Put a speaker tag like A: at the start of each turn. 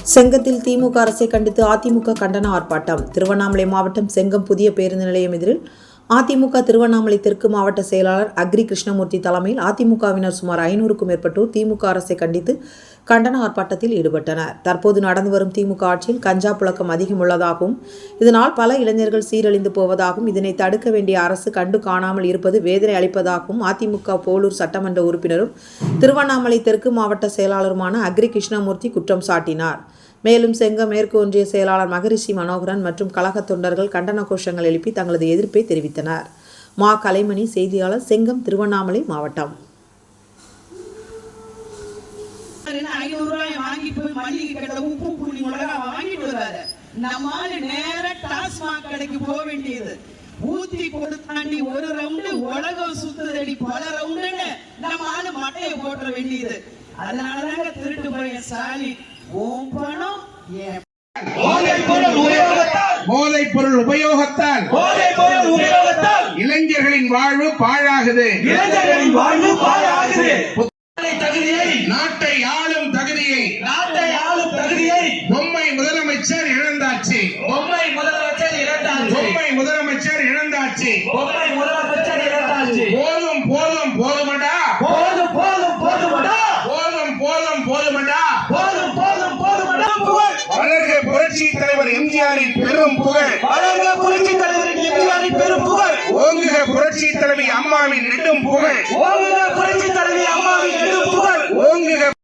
A: செங்கத்தில் திமுக அரசை கண்டித்து அதிமுக கண்டன ஆர்ப்பாட்டம். திருவண்ணாமலை மாவட்டம் செங்கம் புதிய பேருந்து நிலையம் எதிரில் அதிமுக திருவண்ணாமலை தெற்கு மாவட்ட செயலாளர் அக்ரி கிருஷ்ணமூர்த்தி தலைமையில் அதிமுகவினர் சுமார் 500க்கும் மேற்பட்டோர் திமுக அரசை கண்டித்து கண்டன ஆர்ப்பாட்டத்தில் ஈடுபட்டனர். தற்போது நடந்து வரும் திமுக ஆட்சியில் கஞ்சா புழக்கம் அதிகம் உள்ளதாகவும் இதனால் பல இளைஞர்கள் சீரழிந்து போவதாகவும் இதனை தடுக்க வேண்டிய அரசு கண்டு காணாமல் இருப்பது வேதனை அளிப்பதாகவும் அதிமுக போலூர் சட்டமன்ற உறுப்பினரும் திருவண்ணாமலை தெற்கு மாவட்ட செயலாளருமான அக்ரி கிருஷ்ணமூர்த்தி குற்றம் சாட்டினார். மேலும் செங்கம் மேற்கு ஒன்றிய செயலாளர் மகரிஷி மனோகரன் மற்றும் கழக தொண்டர்கள் கண்டன கோஷங்கள் எழுப்பி தங்களது எதிர்ப்பை தெரிவித்தனர். மா கலைமணி செய்தியாளர், செங்கம், திருவண்ணாமலை மாவட்டம்.
B: ஊத்தி கொடுத்தாண்டி ஒரு ரவுண்டு உலகம் சுத்துதடி பல ரவுண்டுன்னு நம்ம ஆளு மட்டையை போட்டுற வேண்டியது. அதனாலதாங்க திருட்டு போய சாலி
C: போதைப் பொருள் உபயோகத்தால் இளைஞர்களின் வாழ்வு பாழாகுது. நாட்டை ஆளும் தகுதியை பொம்மை முதலமைச்சர் இழந்தாச்சு. போதும் போதும் போதுமடா. வளர்க புரட்சி தலைவர் எம்ஜிஆரின் பெரும் புகழ். ஓங்குக புரட்சி தலைவி அம்மாவின் நெடும் புகழ். ஓங்குக